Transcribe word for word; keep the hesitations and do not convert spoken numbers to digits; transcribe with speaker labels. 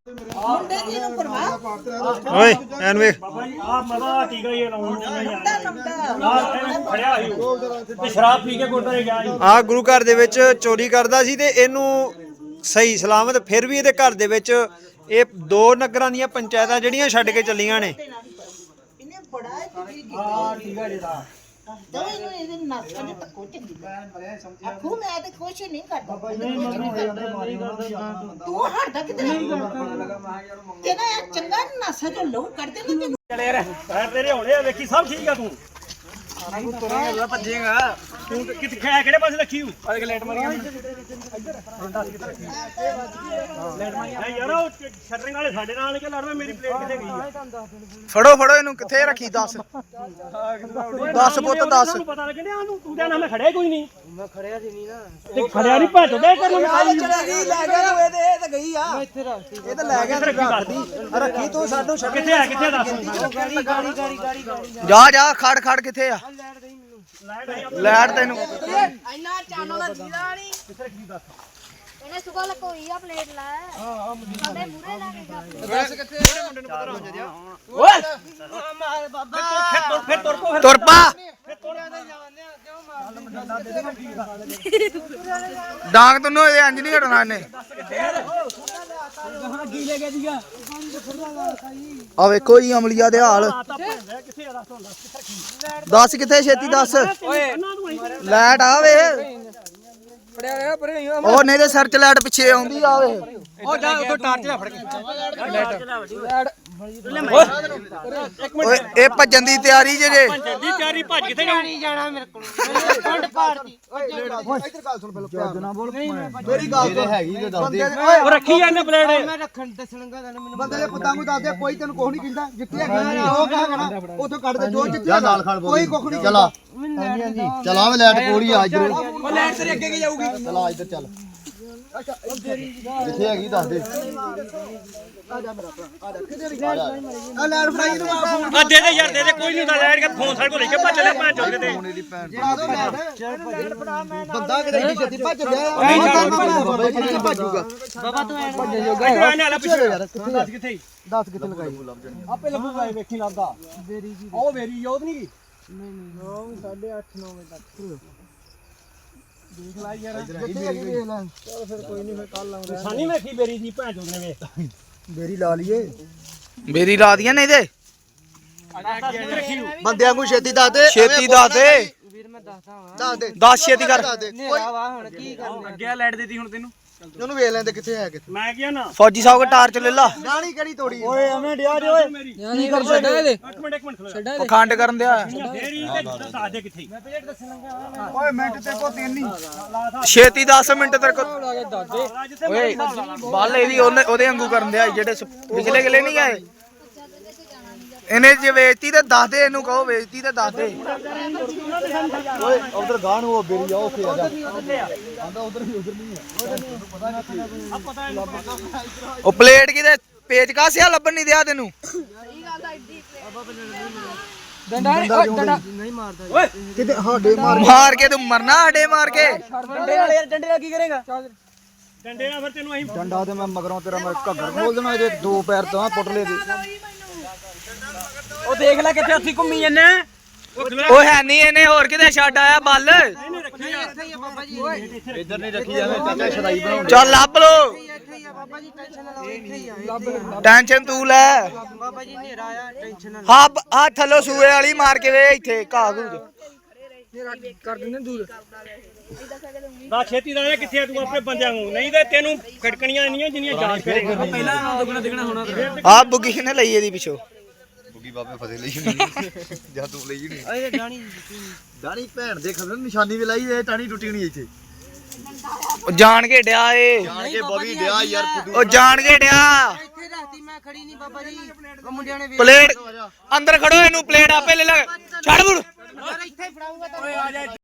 Speaker 1: ਮੁੰਡੇ ਜੀ ਨੂੰ ਪਰਵਾਹ
Speaker 2: ਓਏ ਐਨ ਵੇਖ
Speaker 3: ਬਾਬਾ ਜੀ ਆ ਮਦਾ ਟੀਕਾ ਹੀ ਲਾਉਣ ਆ ਖੜਿਆ ਸੀ ਤੇ ਸ਼ਰਾਬ ਪੀ ਕੇ ਗੁਰਦਾਰੇ ਗਿਆ ਸੀ।
Speaker 2: ਆ ਗੁਰੂ ਘਰ ਦੇ ਵਿੱਚ ਚੋਰੀ ਕਰਦਾ ਸੀ ਤੇ ਇਹਨੂੰ ਸਹੀ ਸਲਾਮਤ ਫਿਰ ਵੀ ਇਹਦੇ ਘਰ ਦੇ ਵਿੱਚ ਇਹ ਦੋ ਨਗਰਾਂ ਦੀਆਂ ਪੰਚਾਇਤਾਂ ਜਿਹੜੀਆਂ ਛੱਡ ਕੇ ਚੱਲੀਆਂ ਨੇ।
Speaker 1: ਇਹਨੇ ਬੜਾ ਹੀ
Speaker 3: ਆ ਟੀਕਾ ਜਿਹੜਾ
Speaker 1: ਦਵਾਈ ਨੂੰ ਇਹਦੇ ਨਸ ਦੇ ਤੱਕੋ ਚੰਗੀ ਆਖੂ ਮੈਂ ਤੇ ਕੁਛ ਨਹੀਂ ਕਰਦਾ ਤੂੰ ਹਟਦਾ ਕਿਤੇ ਨਹੀਂ ਤੇ ਨਾ ਚੰਗਾ ਨਸ ਚੋਂ ਲਹੂ ਕੱਢਦੇ ਨਾ ਤੈਨੂੰ
Speaker 3: ਚਲੇ ਰਹਿ ਪੈਰ ਤੇਰੇ ਹੋਣੇ ਆ ਵੇਖੀ ਸਭ ਠੀਕ ਆ ਤੂੰ
Speaker 2: ਤੂੰ ਤੁਰੇਗਾ ਭੱਜੇਗਾ
Speaker 3: ਤੂੰ ਕਿੱਥੇ ਖਿਆ ਕਿਹੜੇ ਪਾਸੇ ਰੱਖੀ ਹੂੰ ਆ ਇੱਕ ਲੈਟ ਮਾਰੀ ਇੱਧਰ ਦੱਸ ਕਿੱਥੇ ਰੱਖੀ ਲੈਟ ਮਾਰੀ ਨਹੀਂ ਯਾਰ ਉਹ ਸ਼ਟਰਿੰਗ ਵਾਲੇ ਸਾਡੇ ਨਾਲ ਕਿ ਲੜਦਾ ਮੇਰੀ ਪਲੇਟ ਕਿੱਥੇ ਗਈ ਆ
Speaker 2: ਫੜੋ ਫੜੋ ਇਹਨੂੰ ਕਿੱਥੇ ਰੱਖੀ ਦੱਸ ਦੱਸ ਪੁੱਤ ਦੱਸ
Speaker 3: ਤੁਹਾਨੂੰ ਪਤਾ ਲੱਗਣ ਡਿਆ ਉਹਨੂੰ ਤੂੰ ਕਹਿੰਦਾ ਮੈਂ ਖੜਿਆ ਕੋਈ ਨਹੀਂ ਮੈਂ ਖੜਿਆ ਸੀ ਨਹੀਂ ਨਾ ਤੇ ਖੜਿਆ ਨਹੀਂ ਭੱਜ ਦੇ ਕਰ ਨੂੰ
Speaker 2: ਚਲੇ ਗਈ ਲੈ ਗਿਆ ਤੂੰ ਇਹਦੇ ਇਹ ਤਾਂ ਗਈ ਆ ਮੈਂ ਇੱਥੇ ਰੱਖਤੀ ਇਹ ਤਾਂ ਲੈ ਗਿਆ ਤੂੰ ਰੱਖਦੀ ਰੱਖੀ ਤੂੰ ਸਾਨੂੰ ਛੱਡ
Speaker 3: ਕਿੱਥੇ ਆ ਕਿੱਥੇ ਦੱਸ
Speaker 2: ਗਾੜੀ ਗਾੜੀ ਗਾੜੀ ਗਾੜੀ ਜਾ ਜਾ ਖੜ ਖੜ ਕਿੱਥੇ ਆ ਲੈਟ ਤੈਨੂੰ
Speaker 4: ਇੰਨਾ ਚਾਨੋ ਦਾ ਦੀਦਾ ਨਹੀਂ ਇਹਨੇ ਸੁਗਾ ਲਕੋਈ ਆ ਪਲੇਟ ਲੈ ਹਾਂ ਸਾਡੇ ਮੂਰੇ ਲਾ ਕੇ ਗੱਪ
Speaker 2: ਦੱਸ ਕਿੱਥੇ ਉਹਦੇ ਮੁੰਡੇ ਨੂੰ ਪਤਾ ਹੋ ਜਾ
Speaker 3: ਓਏ ਮਾਰ ਬਾਬਾ ਫਿਰ ਫਿਰ ਤੁਰ ਪੋ
Speaker 2: ਤੁਰ ਪਾ ਡਾਂਗ ਤੈਨੂੰ ਇਹ ਇੰਜ ਨਹੀਂ ਹਟਣਾ ਇਹਨੇ
Speaker 3: ਕੀ ਲੈ ਗਿਆ ਦੀਗਾ
Speaker 2: ਆ ਵੇਖੋ ਜੀ ਅਮਲੀਆ ਦੇ ਹਾਲ
Speaker 3: ਕਿੱਥੇ ਆ ਦੱਸ ਹੁਣ ਦੱਸ
Speaker 2: ਦੱਸ ਕਿੱਥੇ ਛੇਤੀ ਦੱਸ ਲੈਟ ਆ ਵੇ ਉਹ ਨਹੀਂ ਤੇ ਸਰਚ ਲਾਈਟ ਪਿੱਛੇ ਆਉਂਦੀ ਆ ਵੇ
Speaker 3: ਉਹ ਜਾ ਉਧਰ ਟਾਰਚ ਲੈ ਫੜ ਕੇ
Speaker 2: ਓਏ ਇਹ ਭੱਜਣ ਦੀ ਤਿਆਰੀ ਜੇ ਜੇ
Speaker 3: ਜਲਦੀ ਤਿਆਰੀ ਭੱਜ ਕਿੱਥੇ ਜਾਣੀ
Speaker 4: ਜਾਣਾ ਮੇਰੇ ਕੋਲ ਫੰਡ ਪਾੜਦੀ
Speaker 2: ਇੱਧਰ ਗੱਲ ਸੁਣ ਪਹਿਲਾਂ ਪਿਆਰ ਨਾ ਬੋਲ ਮੇਰੀ ਗੱਲ ਤੇ ਹੈਗੀ ਤੇ ਦੱਸ ਦੇ
Speaker 3: ਉਹ ਰੱਖੀ ਜਾਂਦੇ ਪਲੇਟ
Speaker 4: ਮੈਂ ਰੱਖਣ ਦੱਸਣਗਾ ਤੈਨੂੰ ਮੈਨੂੰ
Speaker 2: ਬੰਦੇ ਦੇ ਪੁੱਤਾਂ ਨੂੰ ਦੱਸ ਦੇ ਕੋਈ ਤੈਨੂੰ ਕੁਝ ਨਹੀਂ ਕਹਿੰਦਾ ਜਿੱਥੇ ਹੈਗਾ ਉਹ ਕਹਾਂਗਾ ਉਥੋਂ ਕੱਢ ਦੇ ਜੋ ਜਿੱਥੇ ਨਾਲ ਖੜ ਕੋਈ ਕੁਝ ਨਹੀਂ ਚਲਾ ਹਾਂਜੀ ਹਾਂਜੀ ਚਲਾ ਵੇ ਲੈਟ ਕੋੜੀ ਆ ਇੱਧਰ ਉਹ ਲੈਟ ਤੇਰੇ ਅੱਗੇ ਕੀ ਜਾਊਗੀ ਚਲਾ ਇੱਧਰ ਚੱਲ ਜਿੱਥੇ ਹੈਗੀ ਦੱਸ ਦੇ ਆ ਜਾ ਮੇਰਾ ਭਰਾ ਆ ਜਾ ਕਿੱਥੇ ਆ ਲੈਟ ਫੜਾਈ ਨੂੰ ਆ ਫੋਨ
Speaker 3: ਆ ਦੇ ਦੇ ਯਾਰ ਦੇ ਦੇ ਕੋਈ ਨਹੀਂ ਹੁੰਦਾ ਲੈਟ ਕੇ ਫੋਨ ਸਾਡੇ ਕੋਲ ਲੈ ਕੇ ਭੱਜ ਲੈ ਭੱਜ ਚੁੱਕ ਤੇ
Speaker 2: ਮੇਰੀ ਭੈਣ
Speaker 4: ਬੰਦਾ
Speaker 2: ਕਿਤੇ ਏਡੀ ਛੇਤੀ ਭੱਜ ਗਿਆ ਭੱਜੂਗਾ
Speaker 4: ਬਾਬਾ ਤੂੰ ਐ
Speaker 2: ਭੱਜਣ
Speaker 3: ਇੱਧਰ
Speaker 2: ਜੋਗਾ
Speaker 3: ਆਣੇ ਵਾਲਾ ਪਿੱਛੇ ਯਾਰ ਦੱਸ ਕਿੱਥੇ
Speaker 2: ਦੱਸ ਕਿੱਥੇ ਲਗਾਈ
Speaker 3: ਆਪੇ ਲੱਭੂਗਾ ਵੇਖੀ ਲੱਭਦਾ
Speaker 4: ਬੇਰੀ ਜੀ
Speaker 3: ਉਹ ਮੇਰੀ ਯੋਧ ਨਹੀਂ ਗਈ
Speaker 4: ਨਹੀਂ ਨਹੀਂ ਸਾਢੇ ਅੱਠ ਨੌ ਵਜੇ ਤੱਕ
Speaker 3: ਦੇਖ ਲੈ ਯਾਰ
Speaker 2: ਚਲ ਫਿਰ ਕੋਈ ਨਹੀਂ ਫਿਰ ਕੱਲ ਲਾਉਂਦੇ
Speaker 3: ਸਾਨੀ ਵੇਖੀ ਮੇਰੀ ਦੀ ਭੈਣ ਚੋਦ ਨੇ ਵੇ
Speaker 2: ਬੇਰੀ ਲਾ ਲਈਏ ਬੇਰੀ ਲਾ ਦੀਆਂ ਨਹੀਂ ਤੇ
Speaker 3: ਰੱਖੀ
Speaker 2: ਬੰਦਿਆਂ ਨੂੰ ਛੇਤੀ ਦੱਸ ਦੇ ਛੇਤੀ ਦੱਸ ਦੇ
Speaker 4: ਵੀਰ ਮੈਂ ਦੱਸਦਾ ਹਾਂ
Speaker 2: ਦੱਸ ਦੇ ਦੱਸ ਛੇਤੀ ਕਰ
Speaker 4: ਨੇਰਾ ਵਾ ਹੁਣ ਕੀ ਕਰਨਾ
Speaker 3: ਅੱਗੇ ਲੈਟ ਦਿੱਤੀ ਹੁਣ ਤੈਨੂੰ
Speaker 2: ਉਹਨੂੰ ਵੇਖ ਲੈਂਦੇ ਕਿੱਥੇ ਹੈ ਕਿੱਥੇ
Speaker 3: ਮੈਂ ਕਿਹਾ ਨਾ
Speaker 2: ਫੌਜੀ ਸਾਹਿਬ ਕੋ ਟਾਰਚ ਲੈ ਲਾ ਗਾਣੀ ਕਿਹੜੀ ਤੋੜੀ ਓਏ ਐਵੇਂ ਡਿਆ ਜੇ ਓਏ
Speaker 4: ਕੀ ਕਰ ਛੱਡਾ ਇਹਦੇ
Speaker 3: ਇੱਕ ਮਿੰਟ ਇੱਕ ਮਿੰਟ ਖਲੋ
Speaker 2: ਪਖੰਡ ਕਰਨ ਦਿਆ
Speaker 3: ਫੇਰੀ ਤੇ ਦੱਸ ਦੇ ਕਿੱਥੇ ਮੈਂ ਪਲੇਟ ਦੱਸਣ ਲੱਗਾ
Speaker 2: ਓਏ ਮਿੰਟ ਤੇ ਕੋ ਤਿੰਨ ਹੀ ਛੇਤੀ ਦਸ ਮਿੰਟ ਤੇਰੇ ਕੋ ਓਏ ਬੱਲ ਇਹਦੀ ਉਹਨੇ ਉਹਦੇ ਵਾਂਗੂ ਕਰਨ ਦਿਆ ਜਿਹੜੇ ਪਿਛਲੇ ਗਲੇ ਨਹੀਂ ਆਏ ਇਹਨੇ ਜੇ ਵੇਚਤੀ ਤੇ ਦੱਸ ਦੇ ਇਹਨੂੰ ਕਹੋ ਵੇਚਤੀ ਤੇ ਦੱਸ ਦੇ ਓਏ ਉਧਰ ਗਾਂ ਨੂੰ ਉਹ ਬੇਰੀ ਆ ਉੱਥੇ ਆ ਜਾ ਆਂਦਾ ਉਧਰ ਵੀ ਉਧਰ ਨਹੀਂ ਆ ਉਹ ਪਲੇਟ ਕਿਤੇ ਪੇਚ ਕਾਸਿਆ ਲੱਭਣ ਨਹੀਂ ਦਿਆ ਤੈਨੂੰ
Speaker 4: ਡੰਡਾ ਡੰਡਾ ਨਹੀਂ ਮਾਰਦਾ
Speaker 3: ਓਏ
Speaker 2: ਕਿਤੇ ਸਾਡੇ ਮਾਰ ਮਾਰ ਕੇ ਤੂੰ ਮਰਨਾ ਸਾਡੇ ਮਾਰ ਕੇ
Speaker 4: ਡੰਡੇ ਨਾਲ ਯਾਰ ਡੰਡੇ ਨਾਲ ਕੀ ਕਰੇਗਾ
Speaker 3: ਡੰਡੇ ਨਾਲ ਫਿਰ ਤੈਨੂੰ ਅਸੀਂ
Speaker 2: ਡੰਡਾ ਤੇ ਮੈਂ ਮਗਰੋਂ ਤੇਰਾ ਮੈਂ ਘੱਗਰ ਖੋਲ ਦੇਣਾ ਜੇ ਦੋ ਪੈਰ ਤਾਂ ਪੁੱਟਲੇ ਦੇ
Speaker 4: ਉਹ ਦੇਖ ਲੈ ਕਿੱਥੇ ਉੱਥੇ ਘੁੰਮੀ ਜੰਨੇ
Speaker 2: ਉਹ ਹੈ ਨਹੀਂ ਇਹਨੇ ਹੋਰ ਕਿਤੇ ਛੱਡ ਆਇਆ ਬੱਲ
Speaker 4: ਇੱਥੇ ਹੀ ਆ ਬਾਬਾ ਜੀ
Speaker 2: ਇੱਧਰ ਨਹੀਂ ਰੱਖੀ ਜਾਵੇ ਚਾਚਾ ਸ਼ਰਾਈ ਬਣਾਉਂ ਚੱਲ ਲੱਭ ਲੋ
Speaker 4: ਇੱਥੇ ਹੀ ਆ ਬਾਬਾ ਜੀ ਟੈਨਸ਼ਨ ਨਾ ਲਓ ਇੱਥੇ ਹੀ ਆ
Speaker 2: ਟੈਨਸ਼ਨ ਤੂੰ ਲੈ
Speaker 4: ਬਾਬਾ ਜੀ ਹਨੇਰਾ ਆਇਆ ਟੈਨਸ਼ਨ ਨਾ
Speaker 2: ਹਾਂ ਆ ਥੱਲੋਂ ਸੂਏ ਵਾਲੀ ਮਾਰ ਕੇ ਵੇ ਇੱਥੇ ਘਾਹ ਘੂਜ
Speaker 4: ਕਰ ਦਿੰਦੇ ਦੂਰ
Speaker 3: ਦਾ ਛੇਤੀ ਦਾ ਇਹ ਕਿੱਥੇ ਆ ਤੂੰ ਆਪਣੇ ਬੰਦਿਆਂ ਨੂੰ ਨਹੀਂ ਤੇ ਤੈਨੂੰ ਖਟਕਣੀਆਂ ਨਹੀਂ ਜਿੰਨੀਆਂ ਜਾਂਚ ਕਰੇਗਾ
Speaker 4: ਪਹਿਲਾਂ ਦੁੱਗਣਾ ਦਿਖਣਾ ਹੋਣਾ
Speaker 2: ਆ ਬੁੱਗੀ ਕਿਨੇ ਲਈ ਇਹਦੀ ਪਿੱਛੋਂ ਬੁੱਗੀ ਬਾਬੇ ਫਸੇ ਲਈ ਜਾਂ ਤੂੰ ਲਈ ਨਹੀਂ
Speaker 4: ਓਏ ਡਾਣੀ
Speaker 2: ਦਾਣੀ ਭੈਣ ਦੇ ਖਬਰ ਨਿਸ਼ਾਨੀ ਵੀ ਲਾਈ ਇਹ ਟਾਣੀ ਟੁੱਟੀ ਨਹੀਂ ਇੱਥੇ ਉਹ ਜਾਣ ਕੇ ਡਿਆ ਏ ਜਾਣ ਕੇ ਬਵੀ ਡਿਆ ਯਾਰ ਉਹ ਜਾਣ ਕੇ ਡਿਆ
Speaker 4: ਇੱਥੇ ਰਹਤੀ ਮੈਂ ਖੜੀ ਨਹੀਂ ਬਾਬਾ ਜੀ ਉਹ ਮੁੰਡਿਆਂ ਨੇ
Speaker 2: ਪਲੇਟ ਅੰਦਰ ਖੜੋ ਇਹਨੂੰ ਪਲੇਟ ਆਪੇ ਲੈ ਲੈ ਛੱਡ ਬੁੜ
Speaker 4: ਇੱਥੇ ਫੜਾਉਂਗਾ ਤਾਂ